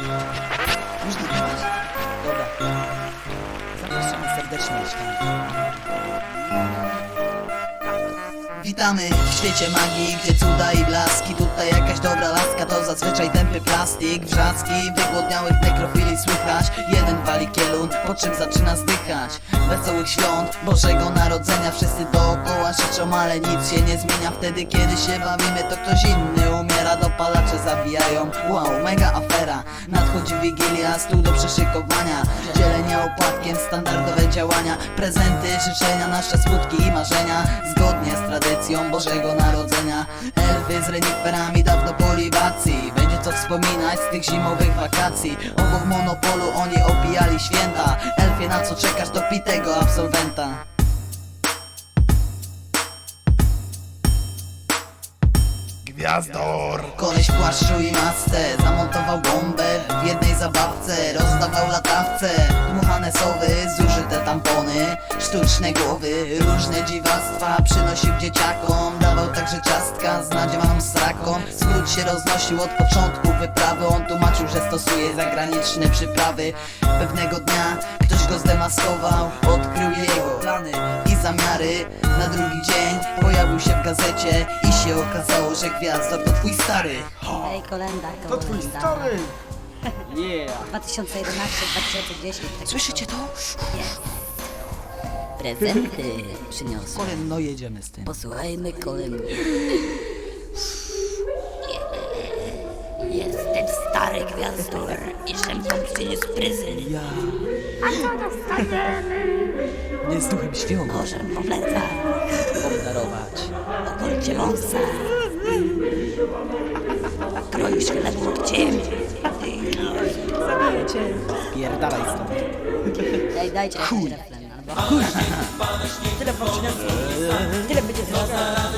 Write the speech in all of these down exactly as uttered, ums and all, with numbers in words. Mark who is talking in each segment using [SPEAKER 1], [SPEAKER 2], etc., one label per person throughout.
[SPEAKER 1] Już nagrywać? Dobra. Zapraszamy serdecznie mieszkanie. Witamy w świecie magii, gdzie cuda i blaski. Tutaj jakaś dobra laska to zazwyczaj tępy plastik. Wrzaski wygłodniałych nekrofili słychać. Jeden wali kielun, po czym zaczyna zdychać. Wesołych świąt Bożego Narodzenia wszyscy dookoła krzyczą, ale nic się nie zmienia. Wtedy kiedy się bawimy to ktoś inny umiera. Dopalacze zabijają, wow, mega afera. Nadchodzi Wigilia, stół do przyszykowania. Dzielenie opłatkiem, standardowe działania. Prezenty, życzenia, nasze smutki i marzenia. Zgodnie z tradycją Bożego Narodzenia. Elfy z reniferami dawno po libacji. Będzie co wspominać z tych zimowych wakacji. Obok monopolu oni opijali święta. Elfie, na co czekasz, do pitego absolwenta.
[SPEAKER 2] Gwiazdor!
[SPEAKER 1] Koleś w płaszczu i masce zamontował bombę w jednej zabawce. Rozdawał latawce, dmuchane sowy, zużyte tampony, sztuczne głowy, różne dziwactwa przynosił dzieciakom. Dawał także ciastka z nadziewaną sraką. Skrót się roznosił od początku wyprawy. On tłumaczył, że stosuje zagraniczne przyprawy. Pewnego dnia ktoś go zdemaskował, odkrył jego plany i zamiary. Na drugi dzień pojawił się w gazecie i się okazało, że Gwiazdor to twój stary.
[SPEAKER 3] Ej, kolenda, kolenda.
[SPEAKER 2] To twój stary!
[SPEAKER 1] Yeah.
[SPEAKER 3] dwa tysiące jedenaście dwa tysiące dziesięć. Tak.
[SPEAKER 1] Słyszycie to?
[SPEAKER 3] Jest. Prezenty przyniosłem.
[SPEAKER 1] Kolen, no jedziemy z tym.
[SPEAKER 3] Posłuchajmy kolendy. Jestem stary Gwiazdor i żem wam przyniósł prezent.
[SPEAKER 1] Ja
[SPEAKER 3] A co dostaniemy?
[SPEAKER 1] nie z duchem świąt
[SPEAKER 3] Możem po plecach,
[SPEAKER 1] obdarować.
[SPEAKER 3] okolcie wąsa. Kroisz chleb łokciem.
[SPEAKER 1] Pierdalaj stąd.
[SPEAKER 3] Daj, dajcie jakiś refren, albo... Tyle wam przyniosłem. Tyle będzie teraz.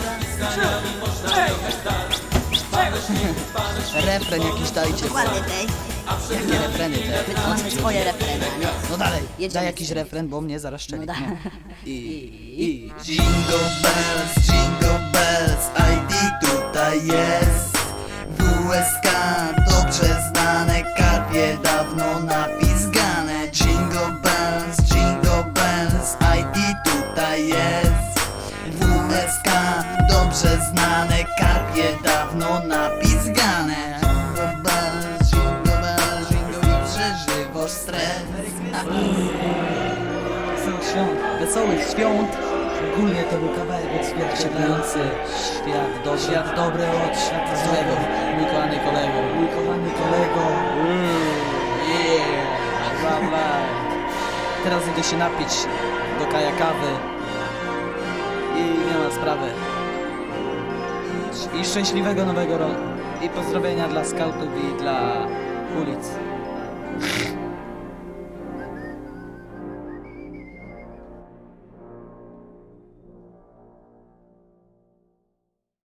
[SPEAKER 1] Refren jakiś dajcie.
[SPEAKER 3] Dokładnie tej.
[SPEAKER 1] Jakie refreny te?
[SPEAKER 3] My tu mamy swoje refreny, a nie?
[SPEAKER 1] No dalej,
[SPEAKER 3] Jedziemy
[SPEAKER 1] daj
[SPEAKER 3] z
[SPEAKER 1] jakiś
[SPEAKER 3] tym.
[SPEAKER 1] refren, bo mnie zaraz szczeli.
[SPEAKER 3] No da-
[SPEAKER 1] No. I, i Jingle bells, jingle bells, I D tutaj jest. W S K dobrze znane, karpie dawno napizgane. Jingle bells, jingle bells, I D tutaj jest. W S K dobrze znane, karpie dawno napizgane. Jingle bells, jingle bells, jingle i przeżywasz stres. Wesołych świąt, wesołych świąt. Ogólnie to był kawałek odzwierciedlający świat dobry. Świat dobry od świata złego. Mój kochany kolego. Mój kochany kolego. Yeah. Bla, bla. Teraz idę się napić do kaja kawy. I nie ma sprawy. I szczęśliwego nowego roku. I pozdrowienia dla skautów i dla ulic.